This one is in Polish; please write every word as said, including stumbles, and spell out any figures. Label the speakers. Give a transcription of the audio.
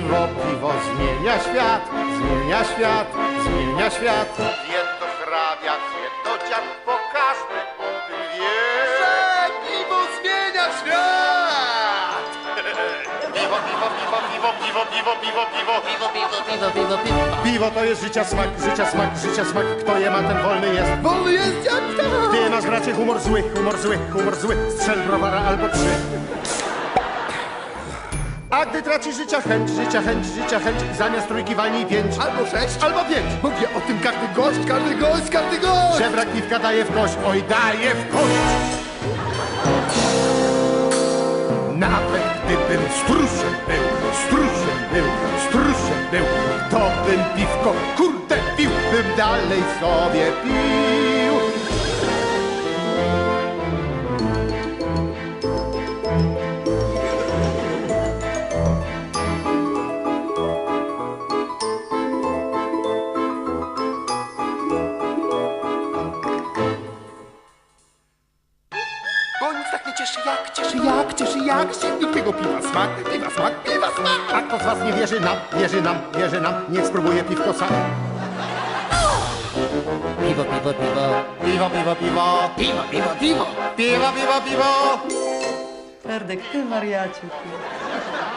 Speaker 1: Bo piwo zmienia świat, zmienia świat, zmienia świat.
Speaker 2: Jedno hrabia, jedno dziad, bo każdy o tym wie.
Speaker 3: Że piwo zmienia świat!
Speaker 2: Piwo, piwo, piwo, piwo, piwo, piwo, piwo, piwo.
Speaker 4: Piwo, piwo, piwo, piwo, piwo.
Speaker 1: Piwo to jest życia smak, życia smak, życia smak. Kto je ma, ten wolny jest.
Speaker 3: Wolny jest jak to!
Speaker 1: Gdy masz bracie humor zły, humor zły, humor zły, strzel browara albo trzy. A gdy traci życia chęć, życia chęć, życia chęć, zamiast trójki walnij pięć.
Speaker 3: Albo sześć,
Speaker 1: Albo pięć.
Speaker 3: mówi o tym każdy gość, każdy gość, każdy gość!
Speaker 1: Żebrak piwka daje w kość, oj daje w kość. Nawet gdybym struszem był, struszem był, struszem był, to bym piwko, kurde, pił, bym dalej sobie pił.
Speaker 3: Bo nic tak nie cieszy jak, cieszy jak, cieszy jak silnikiego piwa smak, piwa smak, piwa smak!
Speaker 1: A kto z was nie wierzy nam, wierzy nam, wierzy nam, niech spróbuje piwko sam.
Speaker 4: Piwo, piwo, piwo.
Speaker 1: Piwo, piwo, piwo,
Speaker 4: Piwo, piwo, piwo.
Speaker 1: piwo, piwo, piwo.
Speaker 5: Ferdek, ty wariacie. Ty.